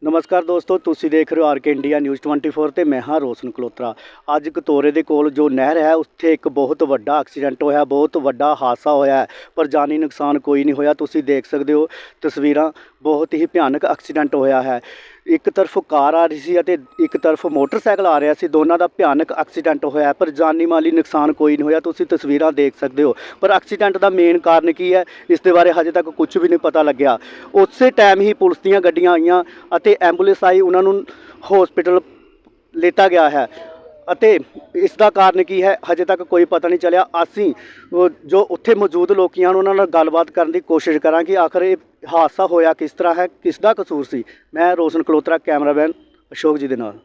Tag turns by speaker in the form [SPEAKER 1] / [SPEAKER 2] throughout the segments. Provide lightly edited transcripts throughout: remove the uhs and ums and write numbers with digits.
[SPEAKER 1] ਨਮਸਕਾਰ ਦੋਸਤੋ, ਤੁਸੀਂ ਦੇਖ ਰਹੇ ਹੋ ਆਰ ਕੇ ਇੰਡੀਆ ਨਿਊਜ਼ 24 ਤੇ ਮੈਂ ਹਾਂ ਰੋਸ਼ਨ ਕਲੋਤਰਾ। ਅੱਜ ਕਤੋਰੇ ਦੇ ਕੋਲ ਜੋ ਨਹਿਰ ਹੈ ਉੱਥੇ ਇੱਕ ਬਹੁਤ ਵੱਡਾ ਐਕਸੀਡੈਂਟ ਹੋਇਆ, ਬਹੁਤ ਵੱਡਾ ਹਾਦਸਾ ਹੋਇਆ ਹੈ, ਪਰ ਜਾਨੀ ਨੁਕਸਾਨ ਕੋਈ ਨਹੀਂ ਹੋਇਆ। ਤੁਸੀਂ ਦੇਖ ਸਕਦੇ ਹੋ ਤਸਵੀਰਾਂ, ਬਹੁਤ ਹੀ ਭਿਆਨਕ ਐਕਸੀਡੈਂਟ ਹੋਇਆ ਹੈ। ਇੱਕ ਤਰਫ ਕਾਰ ਆ ਰਹੀ ਸੀ ਅਤੇ ਇੱਕ ਤਰਫ ਮੋਟਰਸਾਈਕਲ ਆ ਰਿਹਾ ਸੀ, ਦੋਨਾਂ ਦਾ ਭਿਆਨਕ ਐਕਸੀਡੈਂਟ ਹੋਇਆ, ਪਰ ਜਾਨੀ ਮਾਲੀ ਨੁਕਸਾਨ ਕੋਈ ਨਹੀਂ ਹੋਇਆ। ਤੁਸੀਂ ਤਸਵੀਰਾਂ ਦੇਖ ਸਕਦੇ ਹੋ, ਪਰ ਐਕਸੀਡੈਂਟ ਦਾ ਮੇਨ ਕਾਰਨ ਕੀ ਹੈ ਇਸ ਦੇ ਬਾਰੇ ਹਜੇ ਤੱਕ ਕੁਝ ਵੀ ਨਹੀਂ ਪਤਾ ਲੱਗਿਆ। ਉਸੇ ਟਾਈਮ ਹੀ ਪੁਲਿਸ ਦੀਆਂ ਗੱਡੀਆਂ ਆਈਆਂ ਅਤੇ ਐਂਬੂਲੈਂਸ ਆਈ, ਉਹਨਾਂ ਨੂੰ ਹਸਪੀਟਲ ਲਿੱਤਾ ਗਿਆ ਹੈ ਅਤੇ ਇਸ ਦਾ ਕਾਰਨ ਕੀ ਹੈ ਹਜੇ ਤੱਕ ਕੋਈ ਪਤਾ ਨਹੀਂ ਚੱਲਿਆ। ਅਸੀਂ ਜੋ ਉੱਥੇ ਮੌਜੂਦ ਲੋਕੀਆਂ ਹਨ ਉਹਨਾਂ ਨਾਲ ਗੱਲਬਾਤ ਕਰਨ ਦੀ ਕੋਸ਼ਿਸ਼ ਕਰਾਂਗੇ, ਆਖਰ ਇਹ ਹਾਦਸਾ ਹੋਇਆ ਕਿਸ ਤਰ੍ਹਾਂ ਹੈ, ਕਿਸ ਦਾ ਕਸੂਰ ਸੀ। ਮੈਂ ਰੋਸ਼ਨ ਕਲੋਤਰਾ, ਕੈਮਰਾਮੈਨ ਅਸ਼ੋਕ ਜੀ ਦੇ ਨਾਲ।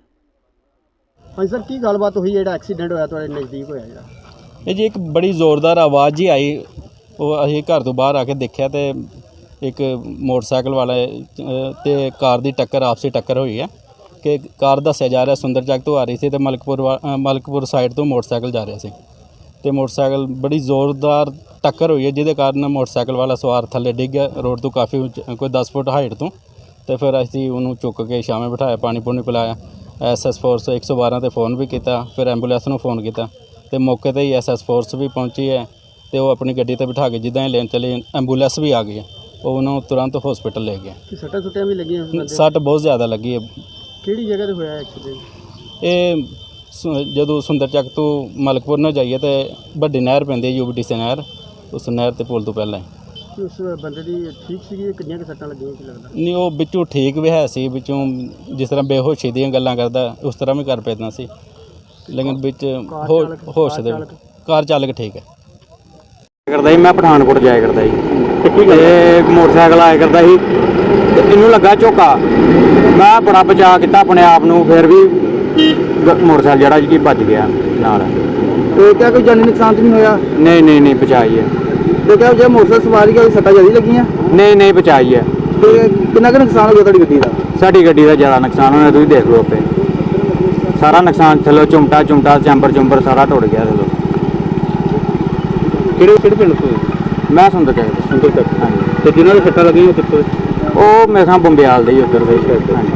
[SPEAKER 2] ਹਾਂਜੀ ਸਰ, ਕੀ ਗੱਲਬਾਤ ਹੋਈ ਜਿਹੜਾ ਐਕਸੀਡੈਂਟ ਹੋਇਆ ਤੁਹਾਡੇ ਨਜ਼ਦੀਕ ਹੋਇਆ ਜਿਹੜਾ?
[SPEAKER 3] ਇਹ ਜੀ ਇੱਕ ਬੜੀ ਜ਼ੋਰਦਾਰ ਆਵਾਜ਼ ਹੀ ਆਈ। ਉਹ ਅਸੀਂ ਘਰ ਤੋਂ ਬਾਹਰ ਆ ਕੇ ਦੇਖਿਆ ਤੇ ਇੱਕ ਮੋਟਰਸਾਈਕਲ ਵਾਲੇ ਤੇ ਕਾਰ ਦੀ ਟੱਕਰ, ਆਪਸੀ ਟੱਕਰ ਹੋਈ ਹੈ ਕਿ ਕਾਰ ਦੱਸਿਆ ਜਾ ਰਿਹਾ ਸੁੰਦਰ ਚੱਕ ਤੋਂ ਆ ਰਹੀ ਸੀ ਤੇ ਮਲਕਪੁਰ ਸਾਈਡ ਤੋਂ ਮੋਟਰਸਾਈਕਲ ਜਾ ਰਿਹਾ ਸੀ ਤੇ ਮੋਟਰਸਾਈਕਲ ਬੜੀ ਜ਼ੋਰਦਾਰ ਟੱਕਰ ਹੋਈ ਹੈ ਜਿਹਦੇ ਕਾਰਨ ਮੋਟਰਸਾਈਕਲ ਵਾਲਾ ਸਵਾਰ ਥੱਲੇ ਡਿੱਗ ਗਿਆ ਰੋਡ ਤੋਂ ਕਾਫੀ ਕੋਈ 10 ਫੁੱਟ ਹਾਈਟ ਤੋਂ। ਤੇ ਫਿਰ ਅਸੀਂ ਉਹਨੂੰ ਚੁੱਕ ਕੇ ਛਾਵੇਂ ਬਿਠਾਇਆ, ਪਾਣੀ ਪੂਣੀ ਪਿਲਾਇਆ, SS ਫੋਰਸ 112 ਤੇ ਫ਼ੋਨ ਵੀ ਕੀਤਾ, ਫਿਰ ਐਂਬੂਲੈਂਸ ਨੂੰ ਫ਼ੋਨ ਕੀਤਾ ਤੇ ਮੌਕੇ 'ਤੇ ਹੀ SS ਫੋਰਸ ਵੀ ਪਹੁੰਚੀ ਹੈ ਤੇ ਉਹ ਆਪਣੀ ਗੱਡੀ 'ਤੇ ਬਿਠਾ ਕੇ ਜਿੱਦਾਂ ਹੀ ਲੈਣ ਚਲੇ ਐਂਬੂਲੈਂਸ ਵੀ ਆ ਗਈ ਹੈ, ਉਹ ਉਹਨੂੰ ਤੁਰੰਤ ਹਸਪੀਟਲ ਲੈ ਗਿਆ।
[SPEAKER 2] ਸੱਟਾਂ ਸੁੱਟਾਂ ਵੀ ਲੱਗੀਆਂ?
[SPEAKER 3] ਸੱਟ ਬਹੁਤ ਜ਼ਿਆਦਾ ਲੱਗੀ ਹੈ।
[SPEAKER 2] ਕਿਹੜੀ ਜਗ੍ਹਾ 'ਤੇ ਹੋਇਆ ਐਕਸੀਡੈਂਟ?
[SPEAKER 3] ਇਹ ਜਦੋਂ ਸੁੰਦਰ ਚੱਕ ਤੋਂ ਮਲਕਪੁਰ ਨੂੰ ਜਾਈਏ ਤੇ ਵੱਡੀ ਨਹਿਰ ਪੈਂਦੀ ਹੈ UBTC ਨਹਿਰ, ਉਸ ਨਹਿਰ ਤੇ ਪੁਲ ਤੋਂ ਪਹਿਲਾਂ ਹੀ।
[SPEAKER 2] ਉਸ ਬੰਦੇ ਦੀ ਠੀਕ ਸੀਗੀ? ਕਿੰਨੀਆਂ ਕੁ ਸੱਟਾਂ ਲੱਗੀਆਂ ਕੀ ਲੱਗਦਾ?
[SPEAKER 3] ਨਹੀਂ, ਉਹ ਵਿੱਚੋਂ ਠੀਕ ਵੀ ਹੈ ਸੀ, ਵਿੱਚੋਂ ਜਿਸ ਤਰ੍ਹਾਂ ਬੇਹੋਸ਼ੀ ਦੀਆਂ ਗੱਲਾਂ ਕਰਦਾ ਉਸ ਤਰ੍ਹਾਂ ਵੀ ਕਰ ਪੈਂਦਾ ਸੀ, ਲੇਕਿਨ ਵਿੱਚ ਹੋਸ਼ ਦੇ ਕਾਰ ਚਾਲਕ ਠੀਕ ਹੈ।
[SPEAKER 4] ਕਰਦਾ ਸੀ ਮੈਂ ਪਠਾਨਕੋਟ ਜਾਇਆ ਕਰਦਾ ਸੀ ਤੇ ਮੋਟਰਸਾਈਕਲ ਆਇਆ ਕਰਦਾ ਸੀ ਤੇ ਇਹਨੂੰ ਲੱਗਾ ਝੋਕਾ। ਮੈਂ ਬੜਾ ਬਚਾਅ ਕੀਤਾ ਆਪਣੇ ਆਪ ਨੂੰ, ਫਿਰ ਵੀ ਮੋਟਰਸਾਈਕਲ ਜਿਹੜਾ ਜੀ ਭੱਜ ਗਿਆ ਨਾਲ।
[SPEAKER 2] ਤੇ ਕਿਆ ਕੋਈ ਜਾਨੀ ਨੁਕਸਾਨ ਤਾਂ ਨਹੀਂ ਹੋਇਆ?
[SPEAKER 4] ਨਹੀਂ ਬਚਾਈ ਹੈ।
[SPEAKER 2] ਤੇ ਕਿਆ ਜੇ ਮੋਟਰਸਾਈਕਲ ਸਵਾਰੀ ਦਾ ਸੱਟਾਂ ਜ਼ਿਆਦਾ ਲੱਗੀਆਂ? ਨਹੀਂ
[SPEAKER 4] ਬਚਾਈ ਹੈ।
[SPEAKER 2] ਤੇ ਕਿੰਨਾ ਕੁ ਨੁਕਸਾਨ ਹੋ ਗਿਆ ਤੁਹਾਡੀ ਗੱਡੀ ਦਾ?
[SPEAKER 4] ਸਾਡੀ ਗੱਡੀ ਦਾ ਜ਼ਿਆਦਾ ਨੁਕਸਾਨ ਹੋਇਆ, ਤੁਸੀਂ ਦੇਖ ਲਓ ਆਪੇ। ਸਾਰਾ ਨੁਕਸਾਨ ਥੱਲੋਂ ਚੁੰਮਟਾ ਚੈਂਬਰ ਸਾਰਾ ਟੁੱਟ ਗਿਆ ਥੱਲੋਂ।
[SPEAKER 2] ਕਿਹੜੇ ਪਿੰਡ ਤੋਂ?
[SPEAKER 4] ਮੈਂ ਸੁੰਦਰ ਚੱਕ।
[SPEAKER 2] ਹਾਂਜੀ। ਤੇ ਜਿਨ੍ਹਾਂ ਦੇ ਸੱਟਾਂ ਲੱਗੀਆਂ ਉਹ ਕਿੱਥੋਂ?
[SPEAKER 4] ਉਹ ਮੇਰੇ ਸਾਹ ਬੰਬਿਆਲ ਦੇ ਹੀ ਉੱਧਰ ਦੇ। ਹਾਂਜੀ।